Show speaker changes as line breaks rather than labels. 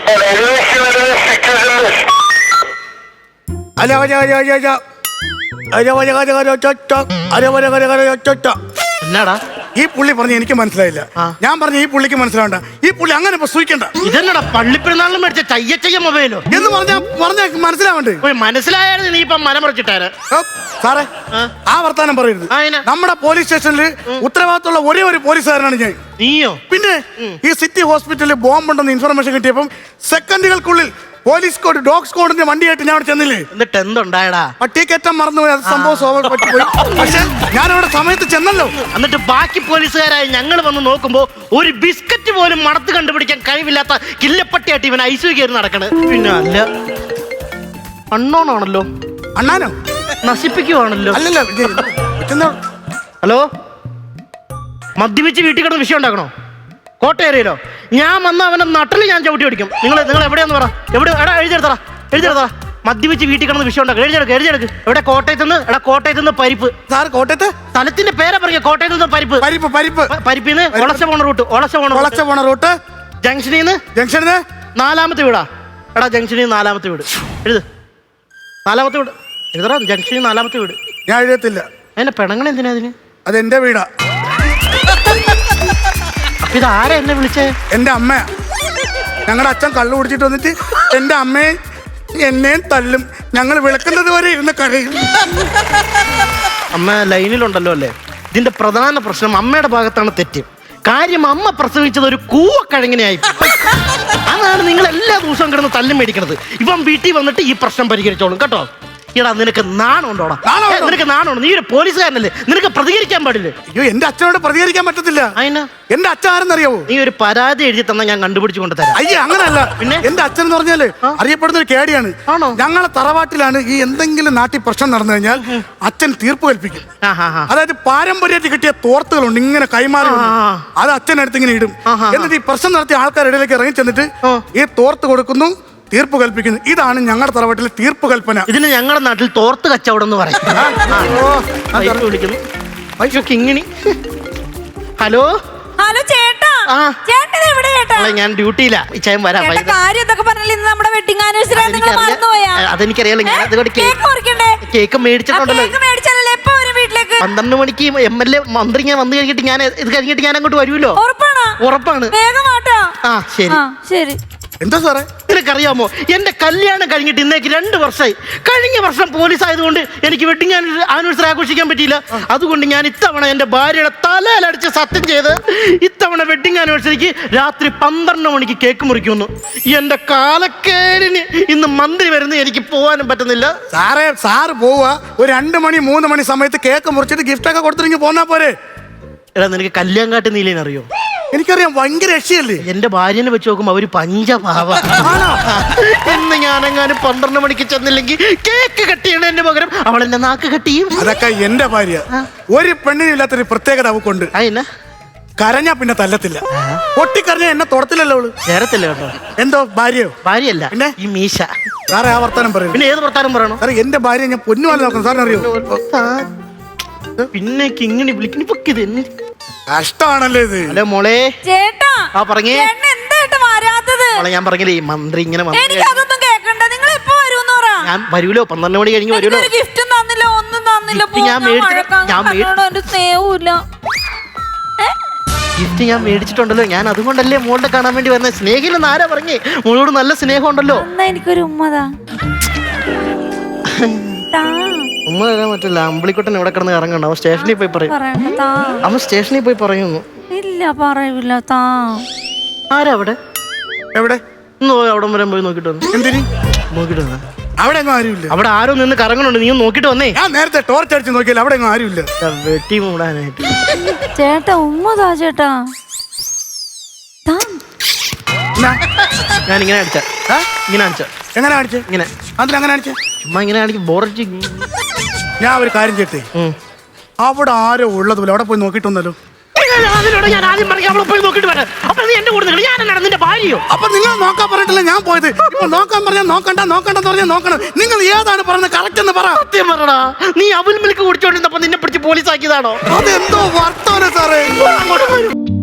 എന്നാടാ
ഈ പുള്ളി പറഞ്ഞ എനിക്ക് മനസ്സിലായില്ല. ഞാൻ പറഞ്ഞ ഈ പുള്ളിക്ക് മനസ്സിലാവണ്ട. ഈ പുള്ളി അങ്ങനെ സൂക്ഷിക്കണ്ട.
ഇതെന്നടാ പള്ളിപ്പെരുന്നാളിലും മേടിച്ച ചയ്യ മൊബൈലോ
എന്ന് പറഞ്ഞ മനസ്സിലാവണ്ടേ?
മനസ്സിലായാലും നീ ഇപ്പം മനം മറിച്ചിട്ടാര്
സാറേ ആ വർത്താനം പറയരുത്. നമ്മുടെ പോലീസ് സ്റ്റേഷനിൽ ഉത്തരവാദിത്തമുള്ള ഒരേ ഒരു പോലീസുകാരനാണ് ഞാൻ.
നീയോ?
പിന്നെ ഈ സിറ്റി ഹോസ്പിറ്റലിൽ ബോംബുണ്ടെന്ന് ഇൻഫർമേഷൻ കിട്ടിയപ്പം സെക്കൻഡുകൾക്കുള്ളിൽ പോലീസ് കോഡ് ഡോഗ് സ്ക്വാഡിന്റെ വണ്ടിയായിട്ട് ഞാൻ അവിടെ ചെന്നില്ലേ.
എന്നിട്ട് എന്തുണ്ടായടാ?
പട്ടിക്കറ്റം മറന്നുപോയി. അത് സംഭവം പറ്റിപ്പോയി. പക്ഷെ ഞാൻ അവിടെ സമയത്ത് ചെന്നല്ലോ.
എന്നിട്ട് ബാക്കി പോലീസുകാരായി ഞങ്ങൾ വന്ന് നോക്കുമ്പോ ഒരു ബിസ്ക്കറ്റ് പോലും മണത്ത് കണ്ടുപിടിക്കാൻ കഴിവില്ലാത്ത കില്ലപ്പട്ടിയായിട്ട് ഇവൻ ഐസു കയറി നടക്കണ്. പിന്നെ അല്ല അണ്ണോണാണല്ലോ.
അണ്ണാനോ?
നശിപ്പിക്കുവാണല്ലോ.
അല്ലല്ലോ.
ഹലോ, മദ്യപിച്ച് വീട്ടിൽ കിടന്ന് വിഷയം ഉണ്ടാക്കണോ? കോട്ടയേറിയല്ലോ. ഞാൻ വന്ന അവനെ നട്ടിൽ ഞാൻ ചവിട്ടി ഓടിക്കും. നിങ്ങൾ എവിടെയാന്ന് പറ. എവിടെ? എടാ എഴുതിയെടുത്തറ. മദ്യപിച്ച് വീട്ടിൽ കിടന്ന് വിഷയം ഉണ്ടാക്കും. എഴുതിയെടുക്ക്. എവിടെ? കോട്ടയത്ത് നിന്ന് പരിപ്പ്.
സാർ കോട്ടയത്ത്
സ്ഥലത്തിന്റെ പേരെ പറയാ. കോട്ടയത്ത് നിന്ന് പരിപ്പിന്ന് ഒളച്ച പോണ റൂട്ട് ജംഗ്ഷനിന്ന് 4ാമത്തെ വീടാ. എടാ ജംഗ്ഷനിൽ 4ാമത്തെ വീട് എഴുത്. 4ാമത്തെ വീട് എഴുതടാ. ജംഗ്ഷനിൽ 4ാമത്തെ വീട്.
ഞാൻ എഴുതത്തില്ല.
അതിന്റെ പെണങ്ങൾ എന്തിനാ അതിന്?
അതെന്റെ വീടാ.
ഇത് ആരാ എന്നെ വിളിച്ചേ?
എന്റെ അമ്മയാ. ഞങ്ങളുടെ അച്ഛൻ കള്ളു കുടിച്ചിട്ട് വന്നിട്ട് എന്റെ അമ്മയെ എന്നെയും തല്ലും. ഞങ്ങൾ വിളക്കുന്നത് വരെ ഇരുന്ന് കരയും.
അമ്മ ലൈനിലുണ്ടല്ലോ അല്ലേ? ഇതിന്റെ പ്രധാന പ്രശ്നം അമ്മയുടെ ഭാഗത്താണ് തെറ്റ്. കാര്യം അമ്മ പ്രസവിച്ചത് ഒരു കൂവക്കഴങ്ങിനെയായി. അതാണ് നിങ്ങൾ എല്ലാ ദിവസവും കിടന്ന് തല്ലും മേടിക്കണത്. ഇവൻ വീട്ടിൽ വന്നിട്ട് ഈ പ്രശ്നം പരിഹരിച്ചോളും കേട്ടോ. എടാ നിനക്ക് നാണമുണ്ടോടാ? നിനക്ക് നാണമുണ്ടോ? നീ ഒരു പോലീസുകാരനല്ലേ? നിനക്ക് പ്രതികരിക്കാൻ പാടില്ലേ?
അയ്യോ, എന്റെ അച്ഛനോട് പ്രതികരിക്കാൻ പറ്റത്തില്ല. എന്റെ അച്ഛൻ ആരെന്നറിയാവോ?
നീ ഒരു പരാതി എഴുതി തന്നാ ഞാൻ കണ്ടുപിടിച്ചു കൊണ്ട് തരാം.
അയ്യേ, അങ്ങനല്ല. പിന്നെ എന്റെ അച്ഛൻ എന്ന് പറഞ്ഞാല് അറിയപ്പെടുന്ന ഒരു കേടിയാണ്. ഞങ്ങളെ തറവാട്ടിലാണ് ഈ എന്തെങ്കിലും നാട്ടിൽ പ്രശ്നം നടന്നു കഴിഞ്ഞാൽ അച്ഛൻ തീർപ്പ് കൽപ്പിക്കും. അതായത് പാരമ്പര്യത്തിൽ കിട്ടിയ തോർത്തുകളുണ്ട്, ഇങ്ങനെ കൈമാറി. അത് അച്ഛനടുത്ത് ഇങ്ങനെ ഇടും. എന്നിട്ട് ഈ പ്രശ്നം നടത്തിയ ആൾക്കാരുടെ ഇടയിലേക്ക് ഇറങ്ങി ചെന്നിട്ട് ഈ തോർത്ത് കൊടുക്കുന്നു, തീർപ്പ് കൽപ്പിക്കുന്നു. ഇതാണ് ഞങ്ങളുടെ തറവാട്ടിലെ തീർപ്പ് കൽപ്പന.
ഇതിന് ഞങ്ങളുടെ നാട്ടിൽ തോർത്ത് കച്ചവടം എന്ന് പറയും. ഹലോ
ചേട്ടാ.
ഞാൻ ഡ്യൂട്ടിയിലാ. അതെനിക്കറിയാലോ. ഞാൻ അതുകൊണ്ട് കേക്ക് മേടിച്ചിട്ടുണ്ടല്ലോ. 12 മണിക്ക് MLA മന്ത്രി ഞാൻ വന്നു കഴിഞ്ഞിട്ട് ഞാൻ ഇത് കഴിഞ്ഞിട്ട് ഞാൻ അങ്ങോട്ട് വരുമല്ലോ. ഉറപ്പാണ്.
ശരി.
എന്താ സാറേ?
നിനക്കറിയാമോ, എന്റെ കല്യാണം കഴിഞ്ഞിട്ട് ഇന്നേക്ക് 2 വർഷമായി. കഴിഞ്ഞ വർഷം പോലീസ് ആയതുകൊണ്ട് എനിക്ക് വെഡിങ് ആനിവേഴ്സറി ആഘോഷിക്കാൻ പറ്റിയില്ല. അതുകൊണ്ട് ഞാൻ ഇത്തവണ എന്റെ ഭാര്യയുടെ തലയിലടിച്ച് സത്യം ചെയ്ത് ഇത്തവണ വെഡിങ് ആനിവേഴ്സറിക്ക് രാത്രി 12 മണിക്ക് കേക്ക് മുറിക്കുന്നു. എന്റെ കാലക്കേടിന് ഇന്ന് മന്ത്രി വരുന്ന എനിക്ക് പോകാനും പറ്റുന്നില്ല.
സാറ് പോവാ ഒരു 2 മണി 3 മണി സമയത്ത് കേക്ക് മുറിച്ചിട്ട് ഗിഫ്റ്റ് ഒക്കെ കൊടുത്തിട്ട് പോന്നാ പോരെ.
എടാ നിനക്ക് കല്യാങ്കാട്ട് നീലേനറിയോ?
എനിക്കറിയാം. ഭയങ്കര രക്ഷയല്ലേ?
എന്റെ ഭാര്യനെ വെച്ച് നോക്കുമ്പോ അവര് പഞ്ചഭാവ. എന്ന് ഞാനെങ്ങാനും 12 മണിക്ക് ചെന്നില്ലെങ്കിൽ കേക്ക് കട്ട് ചെയ്യണ എന്റെ പകരം അവൾ എന്റെ നാക്ക് കട്ട് ചെയ്യും.
അതൊക്കെ എന്റെ ഭാര്യ. ഒരു പെണ്ണിനില്ലാത്തൊരു പ്രത്യേകത അവക്കുണ്ട്. കരഞ്ഞാ പിന്നെ തല്ലത്തില്ല. പൊട്ടിക്കരഞ്ഞാ എന്നെ തൊടത്തില്ലല്ലോ അവള്.
ചേരത്തില്ല കേട്ടോ.
എന്തോ ഭാര്യയോ?
ഭാര്യയല്ല, പിന്നെ ഈ മീശ.
സാറേ ആ വർത്താനം പറയും.
പിന്നെ ഏത് വർത്താനം പറയണോ?
സാറേ എന്റെ ഭാര്യ ഞാൻ പൊന്നുപോലെ നോക്കണം. സാറിനറിയോ?
പിന്നെ ഇങ്ങനെ വിളിക്കുന്നു.
കഷ്ടമാണല്ലേ ഇത്.
ഹലോ മോളെ.
ചേട്ടാ.
ആ പറഞ്ഞേ.
മോളെ
ഞാൻ പറഞ്ഞില്ലേ ഈ മന്ത്രി ഇങ്ങനെ
ഞാൻ
വരൂലോ. 12 മണി കഴിഞ്ഞ് വരൂലോ.
ഗിഫ്റ്റും തന്നില്ല, ഒന്നും തന്നില്ല.
ഗിഫ്റ്റ് ഞാൻ മേടിച്ചിട്ടുണ്ടല്ലോ. ഞാൻ അതുകൊണ്ടല്ലേ മോളുടെ കാണാൻ വേണ്ടി വരുന്നത്. സ്നേഹിലെന്ന് ആരാ പറഞ്ഞേ? മോളോട് നല്ല സ്നേഹം ഉണ്ടല്ലോ.
എനിക്കൊരു ഉമ്മതാ.
ഉമ്മ തരാൻ പറ്റില്ല. അമ്പിളിക്കുട്ടൻ ഇവിടെ കിടന്ന് ഇറങ്ങണ്ട. അവൻ സ്റ്റേഷനിൽ പോയി പറയും. അവൻ സ്റ്റേഷനിൽ പോയി പറയുന്നു.
ഇല്ല പറയൂല.
ആരാ അവിടെ?
എവിടെ?
അവിടെ വരെ പോയി നോക്കിട്ട് വന്നു.
എന്തിന്
നോക്കിട്ട് വന്ന?
അവിടെ ആരുമില്ല.
അവിടെ ആരോ നിന്ന് കറങ്ങണുണ്ട്. നീ നോക്കിട്ട് വന്നേ.
ഞാൻ നേരത്തെ ടോർച്ച് അടിച്ച് നോക്കിയാൽ അവിടെ ആരുമില്ല.
വെട്ടി മൂടാനായിട്ട്.
ചേട്ടാ ഉമ്മതാ. ചേട്ടാ
ഞാൻ ഇങ്ങനെ അടിച്ച. ഇങ്ങനെ അടിച്ച.
എങ്ങനെ അടിച്ച? ഇങ്ങനെ. അതിലങ്ങനെ അടിച്ച.
ചുമ്മാ ഇങ്ങനെ അടിക്കും. ബോറടിച്ച്.
ഞാൻ ഒരു കാര്യം ചെയ്യട്ടെ. അവിടെ ആരോ ഉള്ളതുപോലെ അവിടെ പോയി നോക്കിട്ടൊന്നല്ലോ.
ഞാൻ ആദ്യം പറഞ്ഞു അവിടെ പോയി നോക്കിട്ട് വരാം. അപ്പൊ നീ എന്റെ കൂടെ ഞാൻ നിന്റെ ഭാര്യയോ?
അപ്പൊ നിങ്ങൾ നോക്കാൻ പറഞ്ഞിട്ടില്ല ഞാൻ പോയത്. ഇപ്പൊ നോക്കാൻ പറഞ്ഞാൽ നോക്കണ്ടെന്ന് പറഞ്ഞാൽ നോക്കണം. നിങ്ങൾ ഏതാണ് പറഞ്ഞത്? കറക്റ്റ് എന്ന് പറ.
സത്യം പറടാ. നീ അവിൽ മിൽക്ക് കുടിച്ചോണ്ടിരുന്നപ്പോ നിന്നെ പിടിച്ച് പോലീസ് ആക്കിയതാണോ?
അതെന്തോ വർത്താനം സാറേ.
അങ്ങോട്ട് വരും.